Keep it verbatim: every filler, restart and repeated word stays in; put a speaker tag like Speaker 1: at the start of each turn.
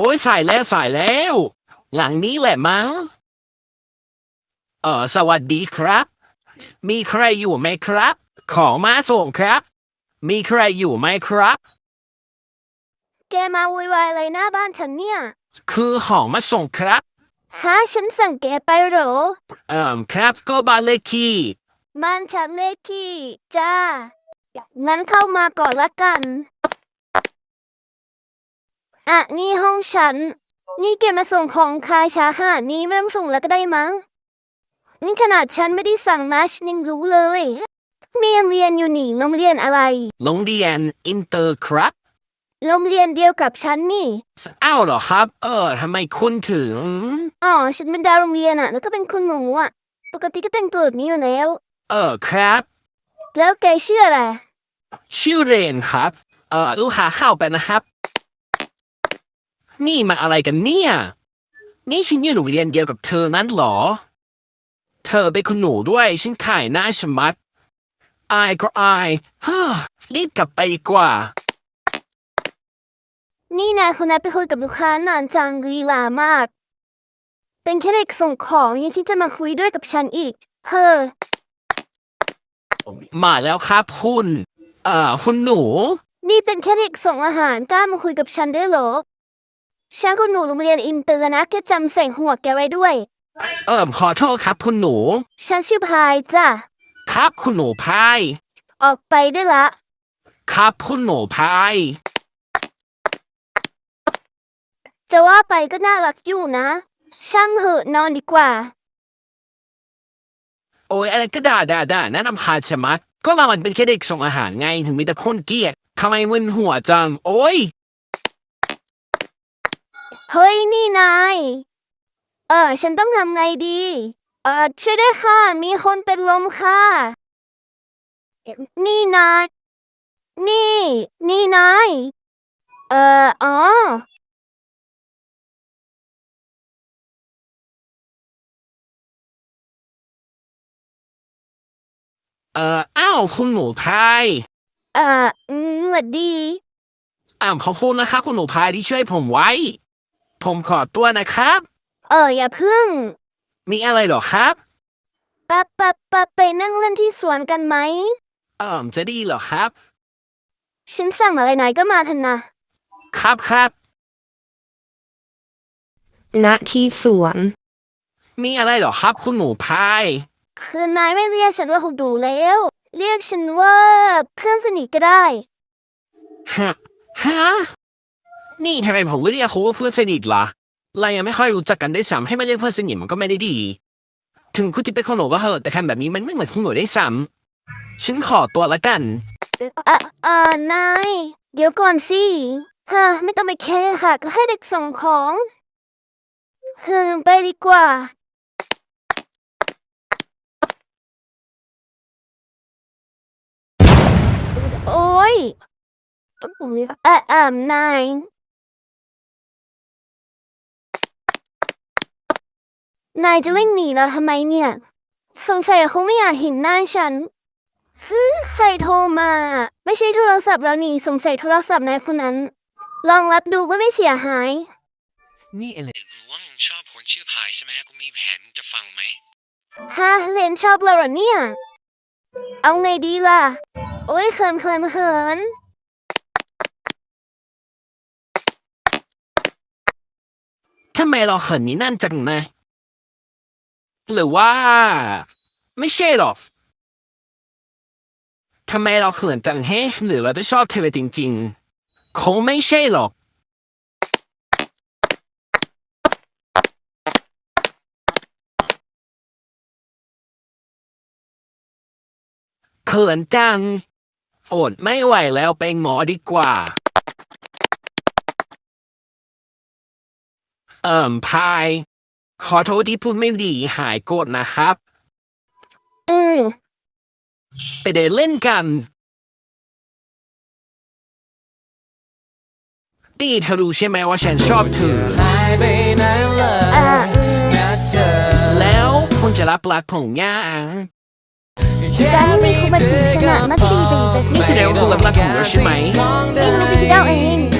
Speaker 1: อ้ยสายแล้วสายแล้วหลังนี้แหละมั้งเออสวัสดีครับมีใครอยู่ไหมครับของมาส่งครับมีใครอยู่ไหมครับ
Speaker 2: แกมาวุ่นวายอะไรหน้าบ้านฉันเนี่ย
Speaker 1: คือของมาส่งครับ
Speaker 2: ฮะฉันสั่งแกไปเหรอ
Speaker 1: เอ่อครับก็บ้านเลขที่
Speaker 2: บ้านฉันเลขที่จ้างั้นเข้ามาก่อนละกันอ่ะนี่ห้องฉันนี่แกมาส่งของคายช้าขนาดนี้ไม่ต้องส่งแล้วก็ได้มั้งนี่ขนาดฉันไม่ได้สั่งนะฉันยังรู้เลยมีโรงเรียนอยู่นี่โรงเรียนอะไร
Speaker 1: โรงเรียนอินเตอร์ครับ
Speaker 2: โรงเรียนเดียวกับฉันนี่
Speaker 1: อ้าวเหรอครับเออทำไมคุณถึง
Speaker 2: อ๋อฉันเป็นดาวโรงเรียนอ่ะแล้วก็เป็นคุณหนูอ่ะปกติก็แต่งตัวแบบนี้อยู่แล้ว
Speaker 1: เออครับ
Speaker 2: แล้วแกชื่ออะไร
Speaker 1: ชื่อเรนครับเออลูกหาเข้าไปนะครับนี่มาอะไรกันเนี่ยนี่ฉันอยู่โรงเรียนเดียวกับเธอนั้นเหรอเธอเป็นคุณหนูด้วยฉันขายหน้าชะมัดอายก็อายฮ่ารีบกลับไปดีกว่า
Speaker 2: นี่นายคนนั้นไปคุยกับลูกค้านานจังลีลามากเป็นแค่เด็กส่งของยังคิดจะมาคุยด้วยกับฉันอีกเฮ้อ
Speaker 1: มาแล้วครับคุณเอ่อคุณหนู
Speaker 2: นี่เป็นแค่เด็กส่งอาหารกล้ามาคุยกับฉันได้เหรอฉันคุณหนูโรงเรียนอินเตอร์นะแกจำใส่หัวแกไว้ด้วย
Speaker 1: เอ่อขอโทษครับคุณหนู
Speaker 2: ฉันชื่อพายจ้ะ
Speaker 1: ครับคุณหนูพาย
Speaker 2: ออกไปได้ละ
Speaker 1: ครับคุณหนูพาย
Speaker 2: จะว่าไปก็น่ารักอยู่นะช่างเหอะนอนดีกว่า
Speaker 1: โอ้ยอะไรก็ด่าด่าด่าแนะนำพาชะมัดก็เรามันเป็นแค่เด็กส่งอาหารไงถึงมีแต่คนเกลียดทำไมมึนหัวจังโอ้ย
Speaker 2: เฮ้ยนี่นายเออฉันต้องทำไงดีเออช่วยด้วยค่ะมีคนเป็นลมค่ะนี่นายนี่นี่นายเอ่ออ๋อ
Speaker 1: เอ่ออ้าวคุณหนูพาย
Speaker 2: เอ่ออืมสวัสดี
Speaker 1: อ้าวขอบคุณนะครับคุณหนูพายที่ช่วยผมไว้ผมขอตัวนะครับ
Speaker 2: เอออย่าพึ่ง
Speaker 1: มีอะไรเหรอครับ
Speaker 2: ปะปะปะไปนั่งเล่นที่สวนกันไหม
Speaker 1: เอ่อจะดีเหรอครับ
Speaker 2: ฉันสั่งอะไรนายก็มาทันนะครับ
Speaker 1: ครับ
Speaker 2: ณที่สวน
Speaker 1: มีอะไรเหรอครับคุณหนูพาย
Speaker 2: คือนายไม่เรียกฉันว่าคุณดูแล้วเรียกฉันว่าเพื่อนสนิทก็ได้
Speaker 1: ฮะฮะนี่ทำไมผมไม่เรียกเขาว่าเพื่อนสนิทล่ะเรายังไม่ค่อยรู้จักกันได้ซ้ำให้มาเรียกเพื่อนสนิทมันก็ไม่ได้ดีถึงคุณจะเป็นคนหนูก็เหอะแต่ทำแบบนี้มันไม่เหมือนคุณหนูได้ซ้ำฉันขอตัวละกัน
Speaker 2: อ่ะอ่านายเดี๋ยวก่อนสิฮะไม่ต้องไปแคร์ค่ะก็ให้เด็กส่งของเฮ้ไปดีกว่าโอ้ยอ่ะอ่านายนายจะวิ่งหนีเราทำไมเนี่ยสงสัยเขาไม่อยากเห็นหน้าฉันฮึใครโทรมาไม่ใช่โทรศัพท์เรานี่สงสัยโทรศัพท์นายคนนั้นลองรับดูก็ไม่เสียหาย
Speaker 1: นี่เอเลนรู้ว่ามึงชอบคนชื่อพายใช่ไหมกูมีแผนจะฟังไหม
Speaker 2: ฮะเลนชอบเราเหรอเนี่ยเอาไงดีล่ะโอ้ยเขินเขินเขิน
Speaker 1: ทำไมเราเขินนี่นั่นจังนะหรือว่าไม่ใช่หรอกทำไมเราเขินจังเฮ้หรือเราจะชอบเธอจริงๆคงไม่ใช่หรอกเขินจังอดไม่ไหวแล้วไปหมอดีกว่าเอิ่มพายขอโทษที่พูดไม่ดีหายโกรธนะครับ
Speaker 2: อืม
Speaker 1: ไปเดินเล่นกันดีเธอรู้ใช่ไหมว่าฉันชอบเธอหายไปนานเลยนะเธอแล้วคุณจะรับรักผมยัง
Speaker 2: การไม่มีคุณมาจีบฉันอะมักดีไปอีกแบบ
Speaker 1: นี่แสดงว่าคุณรับรักผมแล้วใช่ไหม
Speaker 2: เองไม่ใช่เจ้าเอง